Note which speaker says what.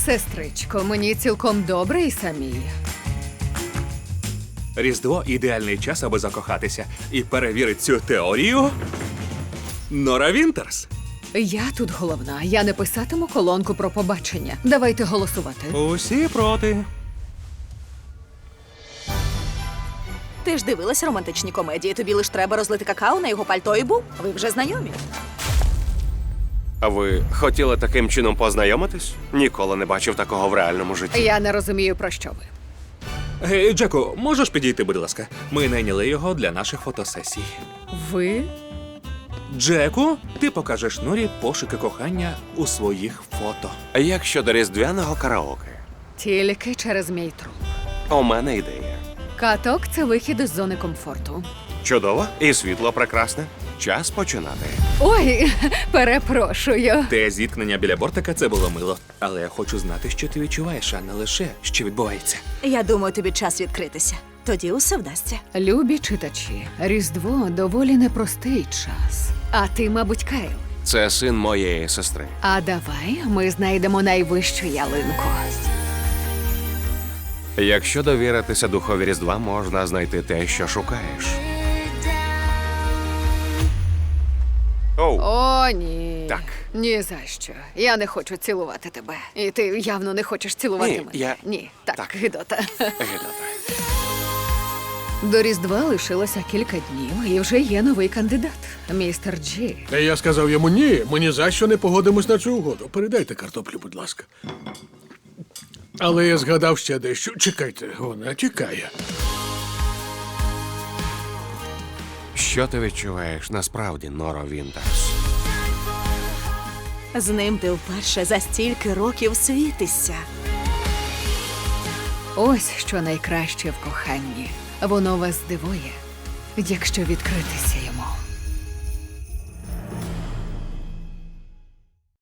Speaker 1: Сестричко, мені цілком добре і самій.
Speaker 2: Різдво – ідеальний час, аби закохатися. І перевірить цю теорію Нора Вінтерс.
Speaker 1: Я тут головна. Я не писатиму колонку про побачення. Давайте голосувати.
Speaker 2: Усі проти.
Speaker 3: Ти ж дивилась романтичні комедії. Тобі лиш треба розлити какао на його пальто і був. Ви вже знайомі.
Speaker 4: А ви хотіли таким чином познайомитись? Ніколи не бачив такого в реальному житті.
Speaker 1: Я не розумію, про що ви.
Speaker 2: Гей, Джеку, можеш підійти, будь ласка? Ми найняли його для наших фотосесій.
Speaker 1: Ви?
Speaker 2: Джеку, ти покажеш Норі пошуки кохання у своїх фото.
Speaker 4: Як щодо різдвяного караоке?
Speaker 1: Тільки через мій труп.
Speaker 4: У мене ідея.
Speaker 1: Каток – це вихід із зони комфорту.
Speaker 4: Чудово і світло прекрасне. Час починати.
Speaker 1: Ой, перепрошую.
Speaker 2: Те зіткнення біля бортика – це було мило. Але я хочу знати, що ти відчуваєш, а не лише, що відбувається.
Speaker 3: Я думаю, тобі час відкритися. Тоді усе вдасться.
Speaker 1: Любі читачі, Різдво – доволі непростий час. А ти, мабуть, Кайл.
Speaker 4: Це син моєї сестри.
Speaker 1: А давай ми знайдемо найвищу ялинку.
Speaker 4: Якщо довіритися духові Різдва, можна знайти те, що шукаєш. Оу,
Speaker 1: О, ні.
Speaker 4: Так.
Speaker 1: Ні за що. Я не хочу цілувати тебе. І ти явно не хочеш цілувати
Speaker 4: Ні,
Speaker 1: мене.
Speaker 4: я-
Speaker 1: Ні, так,
Speaker 4: Так.
Speaker 1: гидота.
Speaker 4: Гедота.
Speaker 1: До Різдва лишилося кілька днів, і вже є новий кандидат. Містер Джі.
Speaker 5: Я сказав йому ні, ми ні за що не погодимось на цю угоду. Передайте картоплю, будь ласка. Але я згадав ще дещо. Чекайте, вона тікає.
Speaker 4: Що ти відчуваєш насправді, Норо Вінтерс?
Speaker 3: З ним ти вперше за стільки років світишся.
Speaker 1: Ось що найкраще в коханні. Воно вас здивує, якщо відкритися йому.